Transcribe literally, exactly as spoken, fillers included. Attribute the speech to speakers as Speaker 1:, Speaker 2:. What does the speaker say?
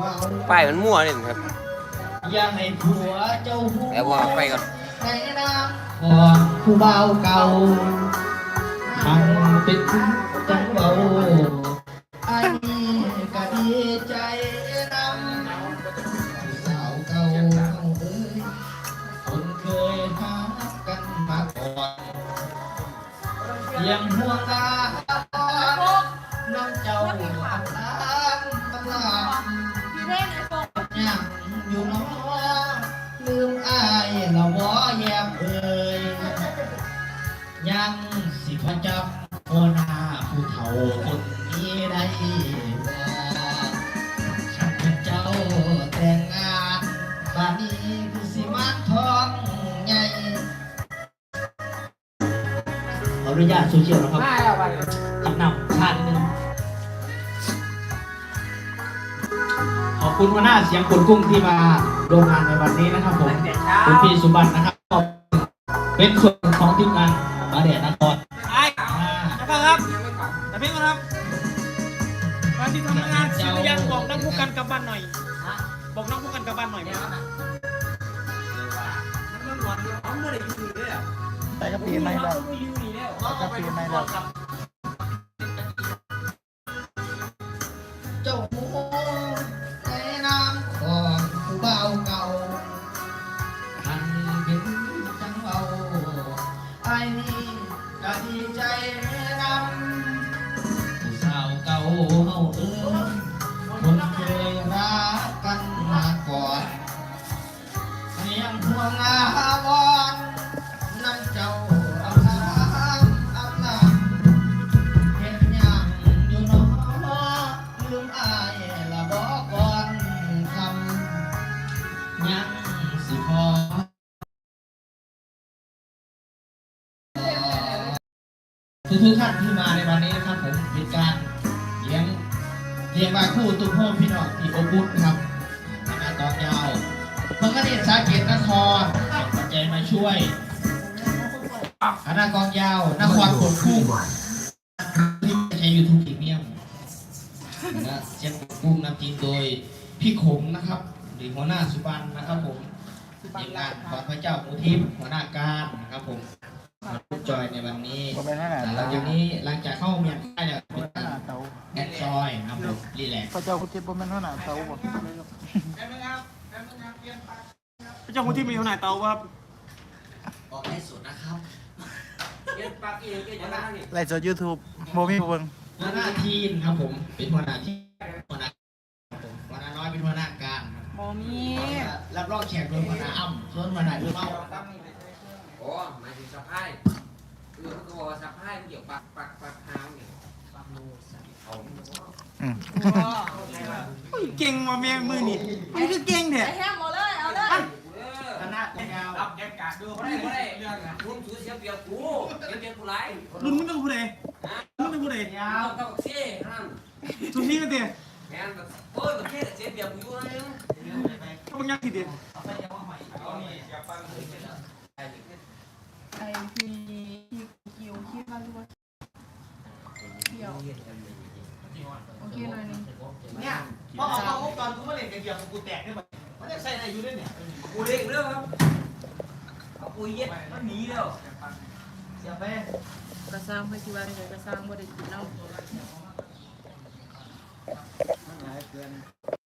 Speaker 1: ป้ายมันมั่วนี่ครับ
Speaker 2: อย่าให้ผัวเจ้าหู
Speaker 1: แล้วว่าไปก่อน
Speaker 2: ในน้ำของผู้เบาเก่าทำเป็นจังเบาไอ้ก็ดีใจนำสาวเก่าเอ้ยคนเคยหากันมาก่อนยังห่วงตาน้ำเจ้าอับล้างตำลายังอยู่น้อลืมอายละวอแยมเอ่ยยังสิพจับโอนาผู้เฒ่าคนนี้ได้บ่ฉันเป็นเจ้าแต่งงานบ้านนี้คือสิมานทองใหญ่ขออนุญาตโซเชียลนะครับขับนำชาตินึงขอบคุณหัวหน้าเสียงคนกุ้งที่มาโรงงานในวันนี้นะครับผมคุณพี่สุบันนะครับเป็นส่วนของทีมงานมาเดียนคร
Speaker 3: ไอ้นะครับแต่เพียงนะครับวันที่ทำงานศิลยันบอกนักผู้กันกลับบ้านหน่อยบอกนักผู้กันกลับบ้านหน่อยไหมครับ
Speaker 4: แต่ก็ปีไม่ได้แต่ก็ปีไม่ได้
Speaker 2: เจ้าหูในน้ำของผู้เบาเก่าทันเป็นจังเบาไอ้นี่ก็ดีใจนำผู้สาวเก่าเฮาเอ้ยคนเคยรักกันมาก่อนเลี้ยงห่วงอาบอนน้ำเจ้าเอาน้ำเอาน้ำเห็นยังอยู่น้อลืมอายละบอกก่อนคำยังสิพอทุกทุกท่านที่มาในวันนี้นะครับผมเป็นการเลี้ยงเลี้ยงบาคู่ตุ้มพ่อพี่น้องที่อบอุ่นครับคณะกองยาวเมื่อกี้เด็กสาเกตนครปัจจัยมาช่วยคณะกองยาวนครกดคู่ที่ใช้ยูทูบพรีเมียมนะเชียงกุ้งนำทีมโดยพี่ขมนะครับหรือหัวหน้าสุบันนะครับผมทีมงานของพระเจ้ามูทิพย์หัวหน้าการนะครับผมมาจอยในวันนี้หลังจากนี้หลังจากเข้าเมียนใต้เนี่ยเป็นการแอดจอยนะครับผมรีแลกซ์
Speaker 4: พระเจ้าคุณทิพย์บ่แม่นหัวหน้าเตาบ่
Speaker 3: พระเจ้าคุณที่มีขนาดเตาครับ
Speaker 2: ออกให้สุดนะครับ
Speaker 4: ไลฟ์สด YouTube บ่มีเบิ่ง
Speaker 2: หัวหน้าทีมครับผมเป็นหัวหน้าทีมหัวหน้าหัวหน้าน้อยเป็นหัวหน้าการ
Speaker 5: บ่มี
Speaker 2: รับรองแขกโดยหัวหน้าอ้ำส่วนหัวหน้าเรื่องเมา
Speaker 1: โอ้หมายถึงสะพายคือเขาบอกว่าสะพายเกี่ยวปักปักปักหางเนี่ยปักโมสันเขา
Speaker 4: อืม
Speaker 3: เก่งมาเมียมือนี่มันคือเก่งเถอะ
Speaker 5: แฮมหมดเลยเอาเลย
Speaker 2: คณะกองยาว
Speaker 1: รับแกกาดดูเขาได้เขาได้เรื่องอ่ะรุ่นถือเสียเปรียบกูเสียเปรียบกูไร
Speaker 3: รุ่นมึงต้องพูดเลยมึงต้องพูดเลย
Speaker 1: ยาวกับเซ่นั่น
Speaker 3: ทุกที่ก็เตี๋ย
Speaker 1: แม่แบบโอ้ยแบบเซ่เสียเปรียบกูอยู่นะยัง
Speaker 3: เขาบังยักษ์ทีเดียว
Speaker 5: ไอ้ที่ที่คิวคิดว่ารู้ว่าเกี่ยวโอเคหน่อยนึง
Speaker 2: เนี่ยพอออกมาพบตอนกูมาเล่นกันเกี่ยวกับกูแตกได้ไหมมันจะใส่อะไรอยู่ด้วยเนี่ย
Speaker 1: กูเด็กเรื่องครับเอาปุยเย็ดมันหนีแล้ว
Speaker 2: เสียไป
Speaker 5: กระซังให้คิดว่าเลยกระซังบ่ได้กินเนาะ